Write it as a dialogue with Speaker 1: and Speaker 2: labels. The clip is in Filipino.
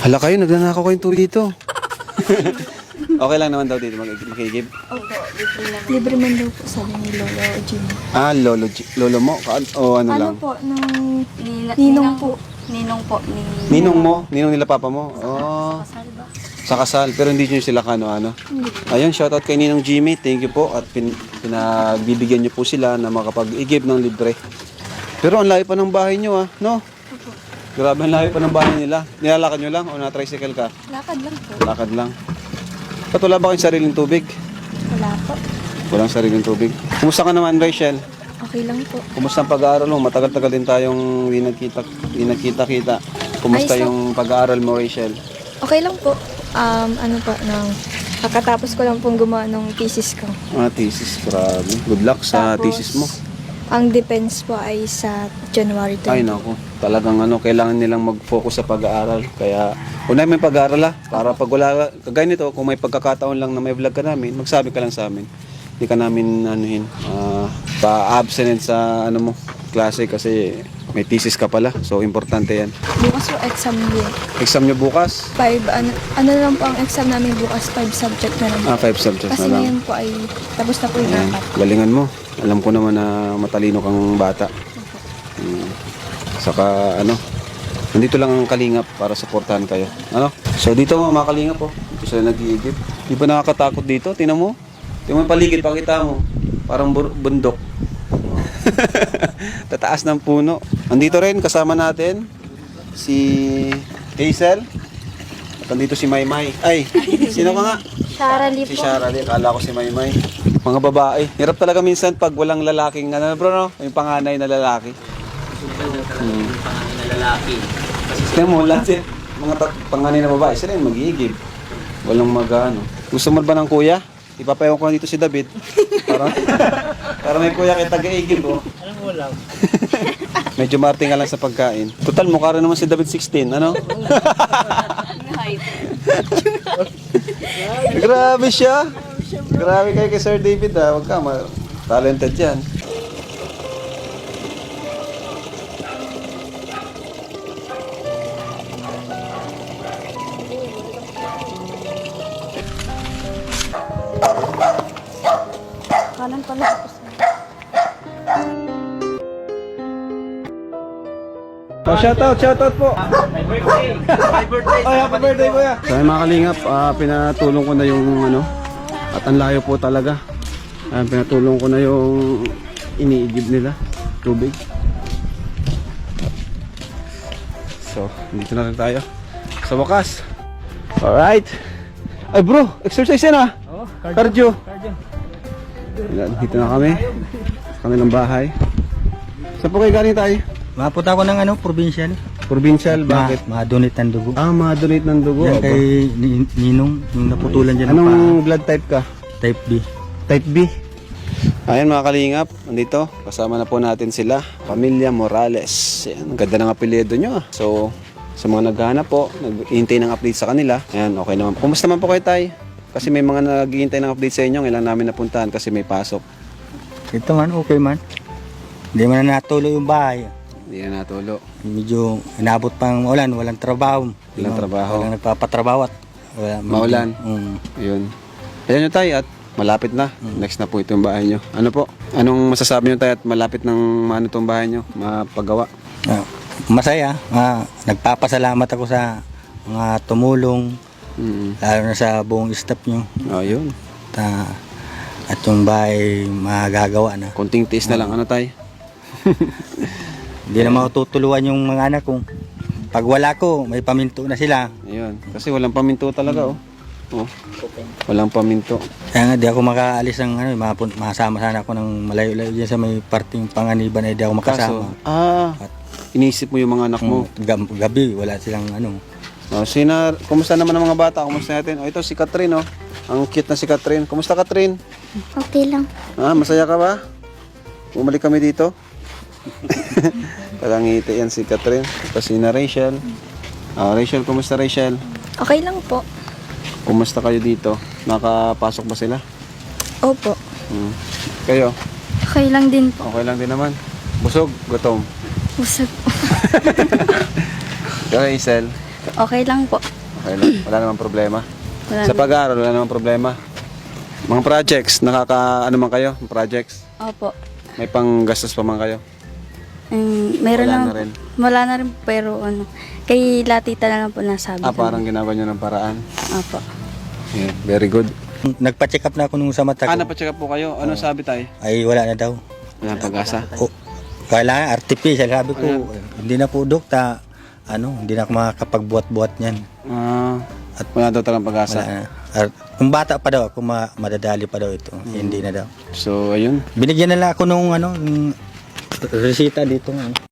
Speaker 1: Hala kayo, nagnanakaw kayong tubig dito. Okay lang naman daw dito makigib.
Speaker 2: Opo, libre man daw po sabi ni Lolo Jimmy.
Speaker 1: Ah, lolo mo? O ano lang?
Speaker 2: Ano po, nung ninong po.
Speaker 3: Ninong po.
Speaker 1: Ninong mo? Ninong nila papa mo? Oh.
Speaker 3: Kasal ba?
Speaker 1: Sa kasal, pero hindi nyo sila kano-ano. Ayun, shoutout kay Ninong Jimmy. Thank you po. At pinagbibigyan nyo po sila na makapag-igib ng libre. Pero ang layo pa ng bahay nyo no? Grabe ang layo pa ng bahay nila. Nilalakad nyo lang o na-tricycle ka?
Speaker 2: Lakad lang po.
Speaker 1: Lakad lang. Ba't wala ba kayong sariling tubig?
Speaker 2: Wala po.
Speaker 1: Walang sariling tubig. Kumusta ka naman, Rachel?
Speaker 2: Okay lang po.
Speaker 1: Kumusta ang pag-aaral mo? Matagal-tagal din tayong di nagkita-kita. Kumusta
Speaker 2: Ayos lang.
Speaker 1: yung pag-aaral mo, Rachel?
Speaker 2: Okay lang po. Ano po, kakatapos ko lang pong gumawa ng thesis ko.
Speaker 1: Thesis. Grabe. Good luck sa
Speaker 2: Tapos,
Speaker 1: thesis mo.
Speaker 2: Ang defense po ay sa January 20.
Speaker 1: Ay nako, talagang kailangan nilang mag-focus sa pag-aaral. Kaya unahin mo yung pag-aaral para pag wala, kagaya nito, kung may pagkakataon lang na may vlog ka namin, magsabi ka lang sa amin. Hindi ka namin pa-absent sa klase kasi may thesis ka pala. So importante yan.
Speaker 2: Bukas po exam din.
Speaker 1: Exam nyo bukas?
Speaker 2: 5, ano lang po ang exam namin bukas, 5 subject na lang.
Speaker 1: 5 subjects
Speaker 2: Kasi
Speaker 1: na lang.
Speaker 2: ngayon po ay tapos na po yung
Speaker 1: Ayan,
Speaker 2: 4.
Speaker 1: galingan mo. Alam ko naman na matalino kang bata. Saka nandito lang ang kalingap para suportahan kayo. So dito mga kalingap dito sila nag-iigib. Di ba nakakatakot dito? Tingnan mo. Tingnan mo yung paligid, pakita mo. Parang bundok. Tataas ng puno. Andito rin kasama natin si Hazel. At andito si Maymay. Ay, sino ka nga?
Speaker 2: Shara
Speaker 1: Si Shara, akala ko si Maymay. Mga babae. Hirap talaga minsan pag walang lalaking, bro, yung panganay na lalaki.
Speaker 4: Panganay na lalaki.
Speaker 1: Kaya mo, lahat mga panganay na babae, sila yung mag-iigib. Walang Gusto mo ba ng kuya? Ipapayaw ko dito si David. Para may kuya kay taga-igib,
Speaker 4: Alam mo lang.
Speaker 1: Medyo marting ka lang sa pagkain. Total, mukha rin naman si David 16, Grabe siya. Grabe kayo kay Sir David, Huwag ka, talented yan.
Speaker 2: Kanan pala ako sa...
Speaker 1: Shoutout po.
Speaker 4: My birthday! My birthday!
Speaker 1: Ay, happy birthday, kuya. So, mga kalingap, pinatulong ko na yung at ang layo po talaga. Pinatulong ko na yung iniigib nila, tubig. So, dito na rin tayo. Sa wakas. Alright. Ay bro, exercise yan Cardio. Dito na kami. Sa kanilang bahay. Saan po kayo galing tayo?
Speaker 4: Mapunta ko ng provincial.
Speaker 1: Provincial, bakit?
Speaker 4: Ma-donate ng dugo.
Speaker 1: Ma-donate ng dugo.
Speaker 4: Yan kay Ninong, yung naputulan dyan ng
Speaker 1: Anong blood type ka?
Speaker 4: type B.
Speaker 1: Type B. Ayan mga kalingap, nandito. Kasama na po natin sila. Pamilya Morales. Ayan, ang ganda ng apelyido nyo. So, sa mga naghahanap po, nag-hintay ng update sa kanila. Ayan, okay naman. Kumusta man po kayo tayo? Kasi may mga naghihintay ng update sa inyo. Kailangan namin napuntahan kasi may pasok.
Speaker 4: Ito man, okay man. Hindi man na natuloy yung bahay.
Speaker 1: Hindi na natulo.
Speaker 4: Medyo inabot pang ulan, walang trabaho.
Speaker 1: Walang trabaho.
Speaker 4: Walang nagpapatrabaho at
Speaker 1: Maulan. Yun. Ayan nyo tayo at malapit na. Next na po itong bahay nyo. Ano po? Anong masasabi nyo tayo at malapit ng itong bahay nyo? Mapagawa?
Speaker 4: Masaya. Nagpapasalamat ako sa mga tumulong, lalo na sa buong staff nyo.
Speaker 1: Yun.
Speaker 4: At yung bahay magagawa na.
Speaker 1: Konting tiis na lang. Ano tayo?
Speaker 4: Hindi na matutuluan yung mga anak ko. Pag wala ko, may paminto na sila.
Speaker 1: Ayun. Kasi walang paminto talaga walang paminto.
Speaker 4: Kaya nga di ako makaalis ng masama sana ako ng malayo-layo dyan sa may parting Panganiban ay di ako makasama.
Speaker 1: Inisip mo yung mga anak mo.
Speaker 4: Gabi, wala silang
Speaker 1: Kumusta naman ang mga bata? Kumusta natin? Ito si Catherine Ang cute na si Catherine. Kumusta Catherine?
Speaker 2: Okay lang.
Speaker 1: Masaya ka ba? Bumalik kami dito. Palangiti yan si Catherine. Tapos si na Rachel. Rachel, kumusta Rachel?
Speaker 2: Okay lang po.
Speaker 1: Kumusta kayo dito? Nakapasok ba sila?
Speaker 2: Opo.
Speaker 1: Kayo?
Speaker 2: Okay lang din po.
Speaker 1: Okay lang din naman. Busog? Gutom?
Speaker 2: Busog.
Speaker 1: Ikaw Hazel?
Speaker 2: Okay lang po.
Speaker 1: Okay lang. Wala namang problema.
Speaker 3: Wala
Speaker 1: Sa pag-aaral, wala namang problema. Mga projects, ano man kayo? Projects?
Speaker 3: Opo.
Speaker 1: May panggastos pa man kayo?
Speaker 3: Meron
Speaker 1: Wala
Speaker 3: na,
Speaker 1: na rin.
Speaker 3: Wala na rin pero kay latita na lang po nasabi.
Speaker 1: Parang ginagawa nyo ng paraan.
Speaker 3: Opo.
Speaker 1: Yeah, very good.
Speaker 4: Nagpa-check up na ako nung sa mata ko.
Speaker 1: Napacheck up po kayo. Ano sabi tayo?
Speaker 4: Ay wala na daw.
Speaker 1: Walang pag-asa.
Speaker 4: O, kailangan artificial. Sabi ko, hindi na po dokta. Hindi na ako makakapagbuhat-buhat niyan.
Speaker 1: At wala daw talagang pag-asa.
Speaker 4: Wala na. Kung bata pa daw ako, madadali pa daw ito. Hindi na daw.
Speaker 1: So, ayun.
Speaker 4: Binigyan na lang ako nung resita dito.